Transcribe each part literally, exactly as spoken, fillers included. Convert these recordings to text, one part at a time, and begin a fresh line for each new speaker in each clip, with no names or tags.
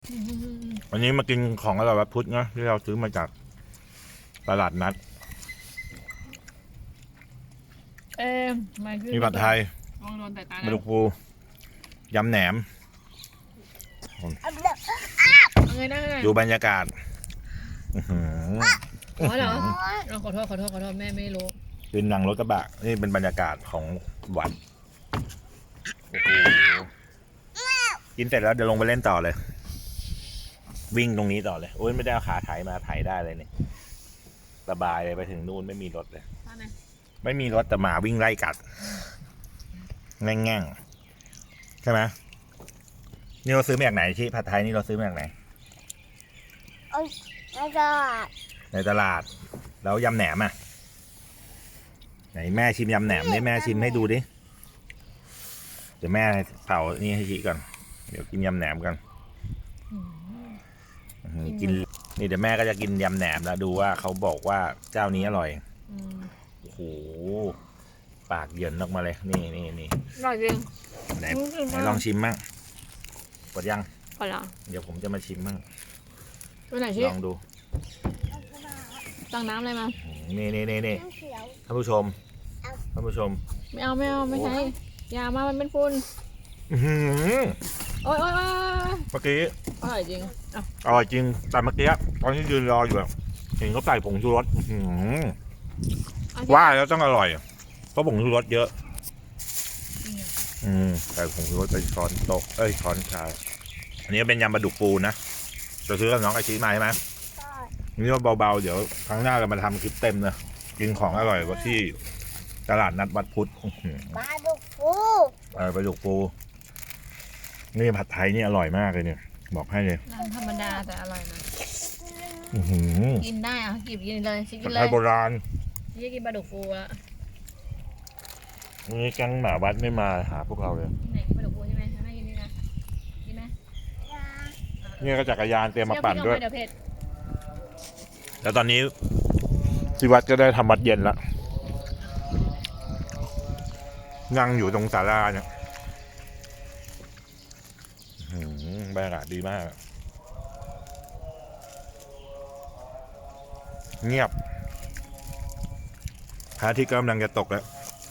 วันนี้มากินของอร่อยวัดพุทธนะที่เราซื้อมาจากตลาดนัด
เอ๊ะ
มีผัดไทย
ลองโดนแต่ตา
ปลาดุกปูยำแหนมดูบรรยากาศ
อ๋อเหรอขอโทษขอโทษขอโทษแม่ไม่รู้
เป็นหนังรถกระบะนี่เป็นบรรยากาศของวัดกินเสร็จแล้วเดี๋ยวลงไปเล่นต่อเลยวิ่งตรงนี้ต่อเลยโอ้ยไม่ได้เอาขาไถมาไถได้เลยเนี่ยสบายเลยไปถึงนู่นไม่มีรถเลยไม่มีรถแต่หมาวิ่งไล่กัดแง่งแง่งใช่ไหมนี่เราซื้อมาจากไหนที่ผัดไทยนี่เราซื้อมาจากไหน
ในตลาด
ในตลาดแล้วยำแหนมอ่ะไหนแม่ชิมยำแหนมนี่แม่ชิมให้ดูดิเดี๋ยวแม่เผานี่ให้ชิก่อนเดี๋ยวกินยำแหนมกันกินนี่เดี๋ยวแม่ก็จะกินยำแหนมแล้วดูว่าเขาบอกว่าเจ้านี้อร่อยโอ้โหปากเยินออกมาเลยนี่นี่นี่
อร่อยจริง
ไหนไหนลองชิมมั่งกดยัง
พอแล้ว
เดี๋ยวผมจะมาชิมมั่ง
ไปไหนชิ
ลองดู
ตั้งน้ำอะไรมา
นี่นี่นี่นี่ท่านผู้ชมท่านผู้ชม
ไม่เอาไม่เอาไม่ใช่อย่ามามันเป็นฝุ่นโอ๊ยโอ๊ย
เมื่อกี้
อร่อยจริง
อร่อยจริงแต่เมื่อกี้ตอนที่ยืนรออยู่เห็นเขาใส่ผงชูรสว่าแล้วต้องอร่อยเพราะผงชูรสเยอะอืมใส่ผงชูรสไปช้อนโต๊ะเอ้ยช้อนชาอันนี้เป็นยำปลาดุกปูนะจะซื้อกับน้องไอชีมาใช่ไหมนี่ว่าเบาๆเดี๋ยวครั้งหน้าเรามาทำคลิปเต็มนะกินของอร่อยกว่าที่ตลาดนัดวัดพุทธ
ปลาดุกปู
เออปลาดุกปูนี่ผัดไทยนี่อร่อยมากเลยเนี่ยบอกให้เลย
น้ำธรรมดาแต่อร่อยนะกินได้อ่ะกินกินเลยชิกินเลย
ผัดไทยโบราณ
ชิกินปลาดุกปูแล้ว
นี่แก๊งหมาวัดไม่มาหาพวกเราเลย
ไหนปลาดุกปูใช่ไหมไม่กินนี่นะกินไหม
นี่ก็จักรยานเตรียมมาปั่นด้วย
เดี๋ยวเผ็ด
แล้วตอนนี้ที่วัดก็ได้ทำวัดเย็นแล้วนั่งอยู่ตรงศาลาเนี่ยบรรยากาศดีมากเงียบพระอาทิตย์กำลังจะตกแล้ว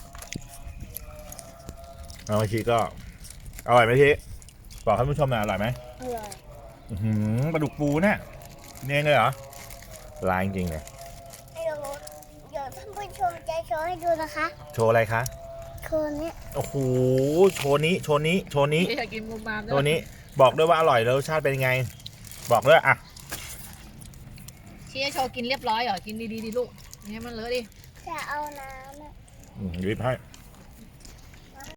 เอาไปชีก็อร่อยไหมชีบอกท่านผู้ชมหน่อยอร่อยไหม
อร่อย
ปลาดุกปูเนี่ยเนี่ยเลยเหรอลายจริงเลย
เดี๋ยวเดี๋ยวท่านผู้ชมจะโชว์ให้ดูนะคะ
โชว์อะไรคะ
โชว์นี้
โอ้โหโชว์นี้โชว์นี้โชว์นี้
อยากกินมูมาม
โชว์นี้บอกด้วยว่าอร่อยแล้วรสชาติเป็นไงบอกด้วยอ่ะ
ชี้โชว์กินเรียบร้อยเหรอกินดีๆดิลูกนี่มันเลอะดิ
จะเอาน้ำอ่ะ
หยิบให้